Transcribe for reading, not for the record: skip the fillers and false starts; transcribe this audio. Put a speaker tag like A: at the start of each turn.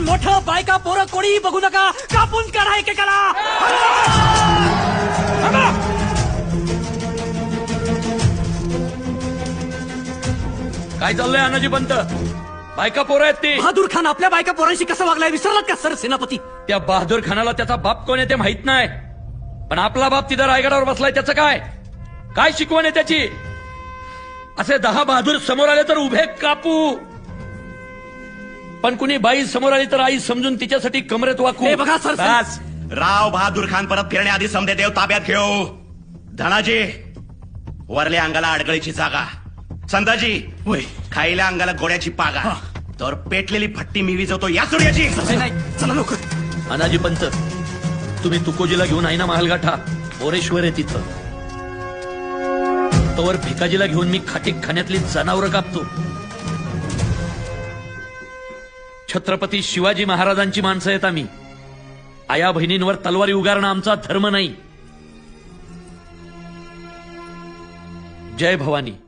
A: मोठं बायका पोरं कोणी बघू नका, कापून काढा एकेकाला.
B: काय चाललंय अनाजी पंत? बायका पोरं आहेत ती.
A: बहादूर खान आपल्या बायका पोरांशी कसं वागलाय विसरलात का सर सेनापती?
B: त्या बहादूर खानाला त्याचा बाप कोण आहे ते माहित नाही, पण आपला बाप तिथं रायगडावर बसलाय त्याचं काय काय शिकवण आहे त्याची? असे 10 बहादूर समोर आले तर उभे कापू, पण कुणी बाई समोर आली तर आई समजून तिच्यासाठी कमरेत वाकू.
A: हे बघा सर,
C: बस राव बहादूर खान परत फिरण्याआधी समदे देव ताब्यात घेऊ. धनाजी वरल्या अंगाला अडगळीची जागा, संदाजी
A: होय.
C: खायल्या अंगाला गोड्याची पागा, तर पेटलेली भट्टी मी विजवतो या सूर्याची.
A: नाही चला लवकर.
B: अनाजी पंत, तुम्ही तुकोजीला घेऊन आहे ना महालगाठा, मोरेश्वर आहे तिथं. तोवर भिकाजीला घेऊन मी खाण्यातली जनावरं कापतो. छत्रपती शिवाजी महाराजांची माणसं आहेत आम्ही. आया बहिणींवर तलवारी उगारणं आमचा धर्म नाही. जय भवानी.